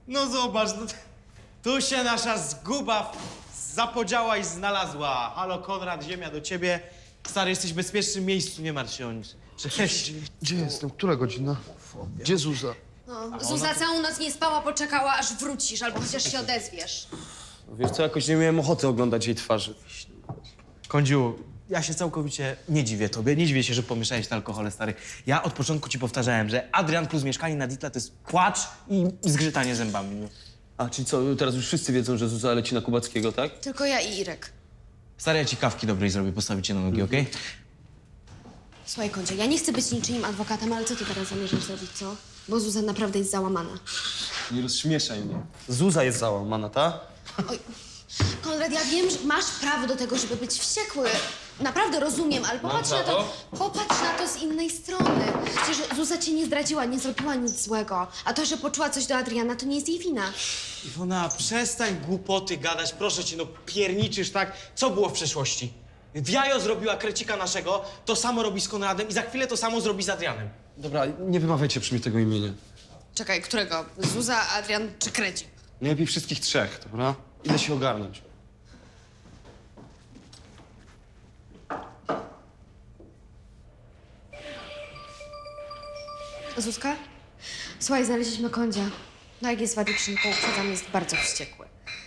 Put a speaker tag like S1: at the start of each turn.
S1: No zobacz, no, tu się nasza zguba zapodziała i znalazła. Halo Konrad, ziemia do ciebie. Stary, jesteś w bezpiecznym miejscu, nie martw się o nic. Cześć.
S2: Gdzie jestem? Która godzina? Gdzie Zuza?
S3: No, Zuza całą noc nie spała, poczekała, aż wrócisz, albo chociaż się odezwiesz.
S4: Wiesz co, jakoś nie miałem ochoty oglądać jej twarzy.
S1: Kądziu, ja się całkowicie nie dziwię tobie. Nie dziwię się, że pomieszałeś te alkohole, stary. Ja od początku ci powtarzałem, że Adrian plus mieszkanie na Ditla to jest płacz i zgrzytanie zębami. No.
S4: A, czyli co, teraz już wszyscy wiedzą, że Zuza leci na Kubackiego, tak?
S3: Tylko ja i Irek.
S1: Stary, ja ci kawki dobrej zrobię, postawić cię na nogi, okej?
S3: Słuchaj, Kądzie, ja nie chcę być niczyim adwokatem, ale co ty teraz zamierzasz zrobić, co? Bo Zuza naprawdę jest załamana.
S4: Nie rozśmieszaj mnie. Zuza jest załamana, ta?
S3: Oj, Konrad, ja wiem, że masz prawo do tego, żeby być wściekły. Naprawdę rozumiem, ale popatrz na to z innej strony. Przecież Zuza cię nie zdradziła, nie zrobiła nic złego. A to, że poczuła coś do Adriana, to nie jest jej wina.
S1: Iwona, przestań głupoty gadać, proszę cię, no pierniczysz, tak? Co było w przeszłości? W jajo zrobiła krecika naszego, to samo robi z Konradem i za chwilę to samo zrobi z Adrianem.
S4: Dobra, nie wymawiajcie przy mnie tego imienia.
S3: Czekaj, którego? Zuza, Adrian czy Krecik?
S4: Najlepiej wszystkich trzech, dobra? Idę się ogarnąć.
S3: Zuzka? Słuchaj, znaleźliśmy Kądzia. No jak jest w addiction, to uprzedzam, jest bardzo wściekły.